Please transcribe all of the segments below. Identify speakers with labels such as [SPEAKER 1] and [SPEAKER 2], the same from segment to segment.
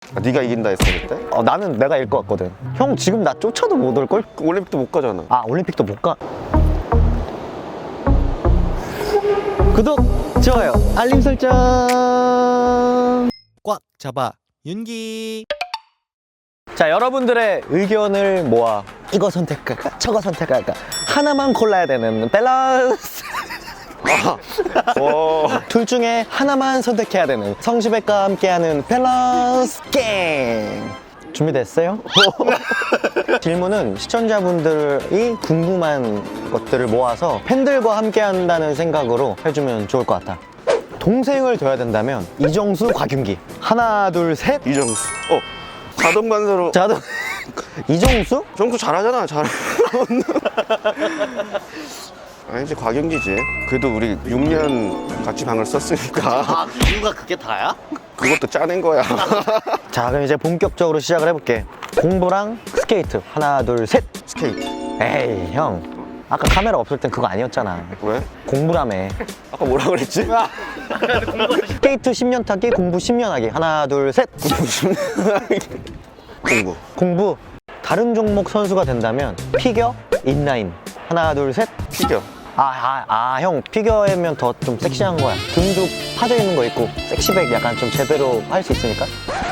[SPEAKER 1] 네가 이긴다 했어 그때?
[SPEAKER 2] 나는 내가 이길 것 같거든. 형 지금 나 쫓아도 못 올걸?
[SPEAKER 1] 올림픽도 못 가잖아.
[SPEAKER 2] 올림픽도 못 가. 구독, 좋아요, 알림 설정.
[SPEAKER 3] 꽉 잡아 윤기.
[SPEAKER 2] 자, 여러분들의 의견을 모아 이거 선택할까 저거 선택할까 하나만 골라야 되는 밸런스. 둘 중에 하나만 선택해야 되는 성시백과 함께하는 밸런스 게임 준비됐어요? 질문은 시청자분들이 궁금한 것들을 모아서 팬들과 함께한다는 생각으로 해주면 좋을 것 같아. 동생을 둬야 된다면 이정수, 곽윤기. 하나, 둘, 셋.
[SPEAKER 1] 이정수. 자동 관사로.
[SPEAKER 2] 자동. 이정수?
[SPEAKER 1] 정수 잘하잖아. 아니지, 곽영기지. 그래도 우리 6년 같이 방을 썼으니까.
[SPEAKER 2] 이유가 그게 다야?
[SPEAKER 1] 그것도 짜낸 거야.
[SPEAKER 2] 자, 그럼 이제 본격적으로 시작을 해볼게. 공부랑 스케이트. 하나, 둘, 셋.
[SPEAKER 1] 스케이트.
[SPEAKER 2] 에이, 형. 아까 카메라 없을 땐 그거 아니었잖아.
[SPEAKER 1] 왜?
[SPEAKER 2] 공부라며.
[SPEAKER 1] 아까 뭐라 그랬지?
[SPEAKER 2] 스케이트 10년 타기, 공부 10년 하기. 하나, 둘, 셋.
[SPEAKER 1] 공부.
[SPEAKER 2] 공부. 다른 종목 선수가 된다면 피겨, 인라인. 하나, 둘, 셋.
[SPEAKER 1] 피겨.
[SPEAKER 2] 형, 피겨면 더 좀 섹시한 거야. 등도 파져 있는 거 있고, 섹시백 약간 좀 제대로 할 수 있으니까.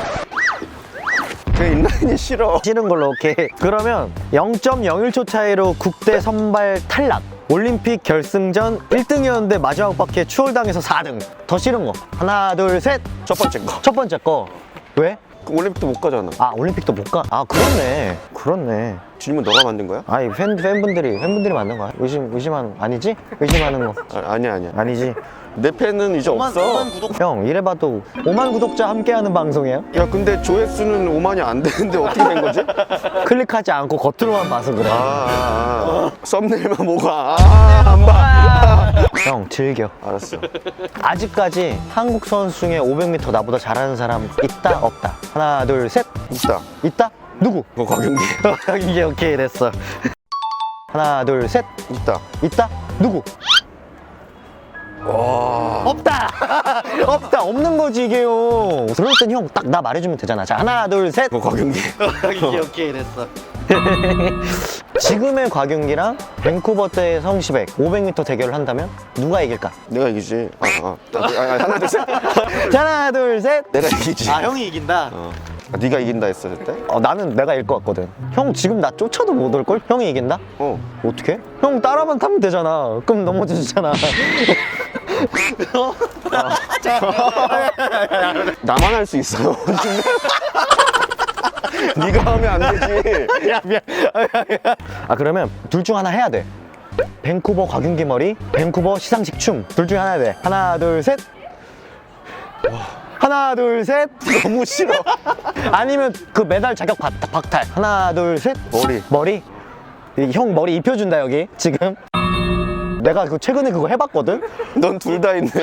[SPEAKER 1] 그 인라인이 싫어.
[SPEAKER 2] 싫은 걸로, 오케이. 그러면 0.01초 차이로 국대 선발 탈락. 올림픽 결승전 1등이었는데 마지막 바퀴에 추월당해서 4등. 더 싫은 거. 하나, 둘, 셋.
[SPEAKER 1] 첫 번째 거.
[SPEAKER 2] 첫 번째 거. 왜?
[SPEAKER 1] 그 올림픽도 못 가잖아.
[SPEAKER 2] 올림픽도 못 가? 그렇네.
[SPEAKER 1] 질문 너가 만든 거야?
[SPEAKER 2] 아니, 팬분들이 만든 거야. 아니지? 의심하는 거.
[SPEAKER 1] 아니야.
[SPEAKER 2] 아니지.
[SPEAKER 1] 내 팬은 이제 없어.
[SPEAKER 2] 형, 이래봐도 5만 구독자 함께하는 방송이에요?
[SPEAKER 1] 야, 근데 조회수는 5만이 안 되는데 어떻게 된 거지?
[SPEAKER 2] 클릭하지 않고 겉으로만 봐서 그래.
[SPEAKER 1] 썸네일만 보고 안 봐.
[SPEAKER 2] 형, 즐겨.
[SPEAKER 1] 알았어.
[SPEAKER 2] 아직까지 한국 선수 중에 500m 나보다 잘하는 사람 있다, 없다? 하나, 둘, 셋.
[SPEAKER 1] 있다.
[SPEAKER 2] 있다? 누구?
[SPEAKER 1] 곽윤기.
[SPEAKER 2] 이게 오케이, 됐어. 하나, 둘, 셋.
[SPEAKER 1] 있다.
[SPEAKER 2] 있다? 누구?
[SPEAKER 1] 와.
[SPEAKER 2] 없다! 없다! 없는 거지, 이게요. 그럴 땐 형, 딱 나 말해주면 되잖아. 자, 하나, 둘, 셋.
[SPEAKER 1] 곽윤기.
[SPEAKER 2] 이게 오케이, 됐어. 지금의 곽윤기랑 밴쿠버 때의 성시백 500m 대결을 한다면 누가 이길까?
[SPEAKER 1] 내가 이기지. 하나 둘 셋.
[SPEAKER 2] 자, 하나, 둘, 셋.
[SPEAKER 1] 내가 이기지.
[SPEAKER 2] 형이 이긴다?
[SPEAKER 1] 네가 이긴다 했어 그때?
[SPEAKER 2] 나는 내가 이길 것 같거든. 형 지금 나 쫓아도 못 올걸? 형이 이긴다? 어떻게? 형 따라만 타면 되잖아. 그럼 넘어지잖아.
[SPEAKER 1] 나만 할 수 있어요. 네가 하면 안 되지.
[SPEAKER 2] 미안. 그러면 둘 중 하나 해야 돼. 밴쿠버 곽윤기 머리, 밴쿠버 시상식 춤. 둘 중 하나 해야 돼. 하나, 둘, 셋. 하나, 둘, 셋.
[SPEAKER 1] 너무 싫어.
[SPEAKER 2] 아니면 그 메달 자격 박탈. 하나, 둘, 셋. 머리? 형 머리 입혀준다, 여기. 지금. 내가 최근에 그거 해봤거든?
[SPEAKER 1] 넌 둘 다 있네.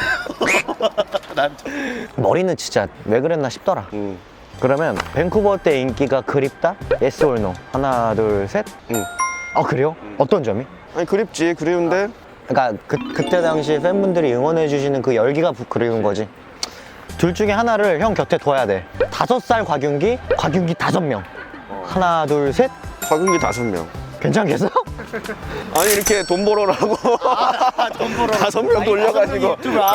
[SPEAKER 2] 머리는 진짜 왜 그랬나 싶더라. 그러면 밴쿠버 때 인기가 그립다? Yes or no? 하나, 둘, 셋. 그래요? 어떤 점이?
[SPEAKER 1] 아니 그립지. 그리운데
[SPEAKER 2] 그러니까 그때 당시 팬분들이 응원해 주시는 그 열기가 그리운 거지. 둘 중에 하나를 형 곁에 둬야 돼. 5살 곽윤기 5명. 하나, 둘, 셋.
[SPEAKER 1] 곽윤기 5명.
[SPEAKER 2] 괜찮겠어?
[SPEAKER 1] 아니 이렇게 돈 벌어라고. 돈 벌어. 5명 돌려가지고.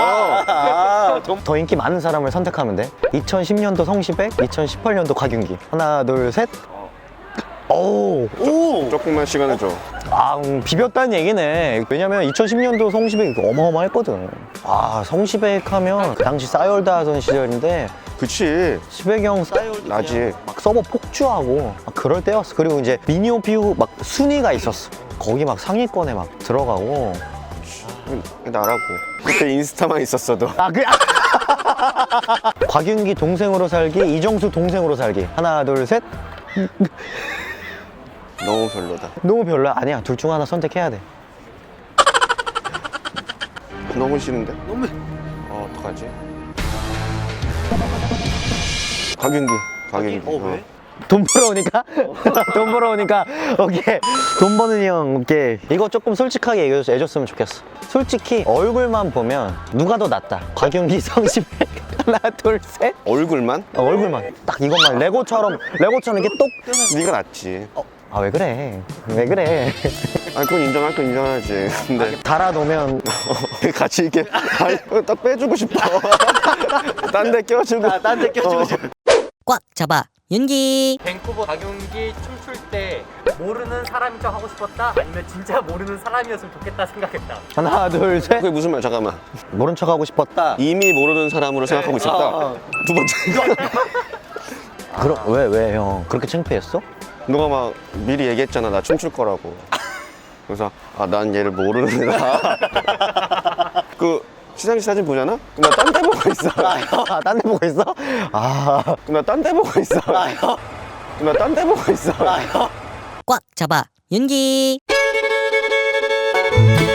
[SPEAKER 2] 더 인기 많은 사람을 선택하면 돼. 2010년도 성시백, 2018년도 곽윤기. 하나, 둘, 셋. 오.
[SPEAKER 1] 조금만 시간을 줘.
[SPEAKER 2] 비볐다는 얘기네. 왜냐면 2010년도 성시백이 어마어마했거든. 성시백 하면 그 당시 싸이월드 하던 시절인데
[SPEAKER 1] 그치.
[SPEAKER 2] 시백이 형 싸이월드
[SPEAKER 1] 나지.
[SPEAKER 2] 막 서버 폭주하고 막 그럴 때였어. 그리고 이제 미니오피우 막 순위가 있었어. 거기 막 상위권에 막 들어가고.
[SPEAKER 1] 나라고. 그때 인스타만 있었어도.
[SPEAKER 2] 곽윤기 동생으로 살기, 이정수 동생으로 살기. 하나, 둘, 셋.
[SPEAKER 1] 너무 별로다.
[SPEAKER 2] 너무 별로야? 아니야. 둘 중 하나 선택해야 돼.
[SPEAKER 1] 너무 싫은데? 어떡하지? 곽윤기.
[SPEAKER 2] 왜? 돈 벌어오니까? 돈 벌어오니까 오케이 돈 버는 형 오케이 이거 조금 솔직하게 해줬으면 좋겠어. 솔직히 얼굴만 보면 누가 더 낫다? 곽윤기 성시백 하나 둘 셋
[SPEAKER 1] 얼굴만?
[SPEAKER 2] 얼굴만 딱 이것만 레고처럼 이렇게 똑
[SPEAKER 1] 네가 낫지.
[SPEAKER 2] 아 왜 그래 왜 그래
[SPEAKER 1] 아니 그건 인정할 건 인정하지. 근데
[SPEAKER 2] 달아놓으면
[SPEAKER 1] 같이 이렇게 아니, 딱 빼주고 싶어. 딴 데 껴주고.
[SPEAKER 2] 딴데 껴주고 싶어.
[SPEAKER 3] 꽉 잡아 윤기.
[SPEAKER 4] 밴쿠버 박용기 춤출 때 모르는 사람인 척 하고 싶었다? 아니면 진짜 모르는 사람이었으면 좋겠다 생각했다.
[SPEAKER 2] 하나 둘 셋
[SPEAKER 1] 그게 무슨 말? 잠깐만.
[SPEAKER 2] 모른 척하고 싶었다.
[SPEAKER 1] 이미 모르는 사람으로 생각하고 있었다. 두 번째.
[SPEAKER 2] 그럼 왜 형 그렇게 창피했어?
[SPEAKER 1] 너가 막 미리 얘기했잖아. 나 춤출 거라고. 그래서 아 난 얘를 모르는 애다. 그 시상식 사진 보잖아? 그럼 나 딴 데 보고 있어.
[SPEAKER 2] 딴 데 보고 있어? 아
[SPEAKER 1] 그럼 나 딴 데 보고 있어. 그럼 나 딴 데 보고 있어.
[SPEAKER 3] 꽉 잡아 윤기.